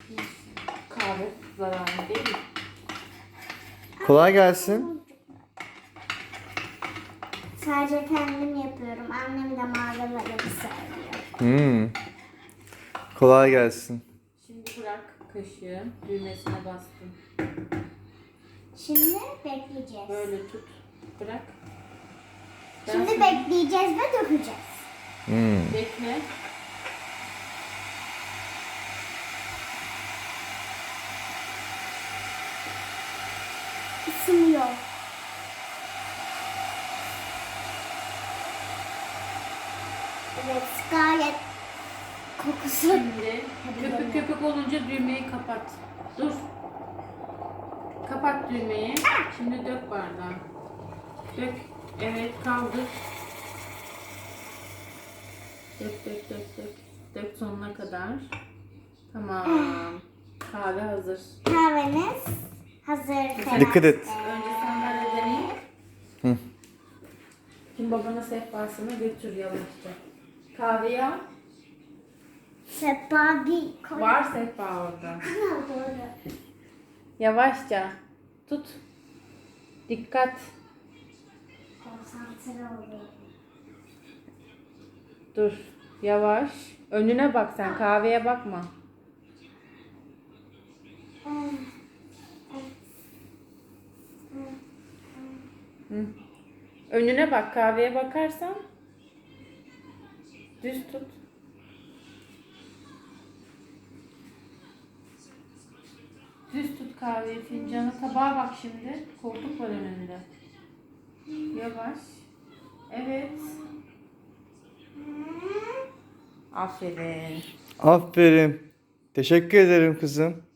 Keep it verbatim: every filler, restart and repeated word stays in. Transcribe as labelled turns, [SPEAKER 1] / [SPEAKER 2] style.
[SPEAKER 1] Kahve zararlı değil.
[SPEAKER 2] Kolay gelsin.
[SPEAKER 3] Sadece kendim yapıyorum. Annem de malzemeleri seviyor.
[SPEAKER 2] Hmm. Kolay gelsin.
[SPEAKER 1] Şimdi bırak kaşığı. Düğmesine bastım.
[SPEAKER 3] Şimdi bekleyeceğiz.
[SPEAKER 1] Böyle tut. Bırak. Ben
[SPEAKER 3] Şimdi
[SPEAKER 1] sana-
[SPEAKER 3] bekleyeceğiz ve dökeceğiz.
[SPEAKER 2] Hmm.
[SPEAKER 1] Bekle.
[SPEAKER 3] Isınıyor. Evet, gayet kokusu.
[SPEAKER 1] Şimdi köpük köpük olunca düğmeyi kapat. Dur. Kapat düğmeyi. Şimdi dök bardağı. Dök. Evet, kaldır. Dök dök dök dök. Dök sonuna kadar. Tamam. Kahve hazır.
[SPEAKER 3] Kahveniz hazır.
[SPEAKER 2] Dikkat et.
[SPEAKER 1] Önce sandalyeden in.
[SPEAKER 2] Hı.
[SPEAKER 1] Şimdi babana sehpasını götür yavaşça. Kahveyi al.
[SPEAKER 3] Sepa bir koy.
[SPEAKER 1] Var sehpa orada.
[SPEAKER 3] Ha, doğru.
[SPEAKER 1] Yavaşça. Tut. Dikkat.
[SPEAKER 3] Konsantre oluyorum.
[SPEAKER 1] Dur. Yavaş. Önüne bak sen. Kahveye bakma. Hı. Önüne bak. Kahveye bakarsan düz tut. Düz tut kahveyi, fincanı. Tabağa bak şimdi. Koltuk var önünde. Yavaş. Evet. Aferin.
[SPEAKER 2] Aferin. Teşekkür ederim kızım.